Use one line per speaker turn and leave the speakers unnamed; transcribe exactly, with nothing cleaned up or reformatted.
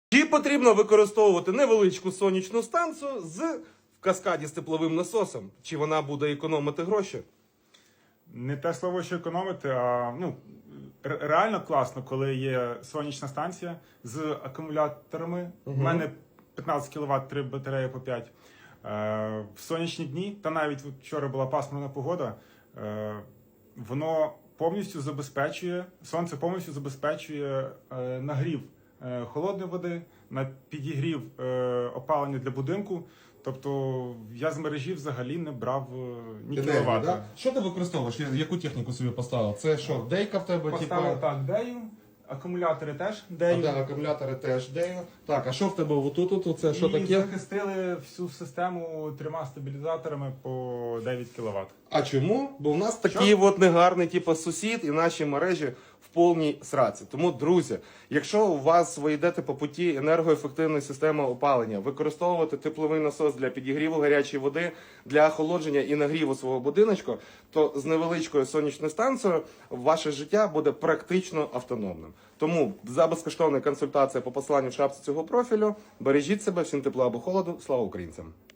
Чи потрібно використовувати невеличку сонячну станцію з в каскаді з тепловим насосом? Чи вона буде економити гроші?
Не те слово, що економити, а ну, ре- реально класно, коли є сонячна станція з акумуляторами. У
Угу.
мене п'ятнадцять кіловат, три батареї по п'ять. Е, в сонячні дні, та навіть от вчора була пасмурна погода, е, воно повністю забезпечує, сонце повністю забезпечує е, нагрів е, холодної води, на підігрів е, опалення для будинку. Тобто я з мережі взагалі не брав е, ні
Енергію,
кіловата.
да? Що ти використовуєш? Яку техніку собі поставив? Це що, дейка в тебе?
Поставив
Типу?
так дею, акумулятори теж
А,
дею.
да, акумулятори теж дею. Так, а що в тебе отут? Тут це що
І
таке?
захистили всю систему трьома стабілізаторами по дев'ять кіловат.
А чому? Бо в нас такий
Що?
от негарний типу, сусід і наші мережі в повній сраці. Тому, друзі, якщо у вас ви йдете по путі енергоефективної системи опалення, використовувати тепловий насос для підігріву гарячої води, для охолодження і нагріву свого будиночку, то з невеличкою сонячною станцією ваше життя буде практично автономним. Тому за безкоштовну консультацію по посиланню в шапці цього профілю бережіть себе, всім тепла або холоду. Слава українцям!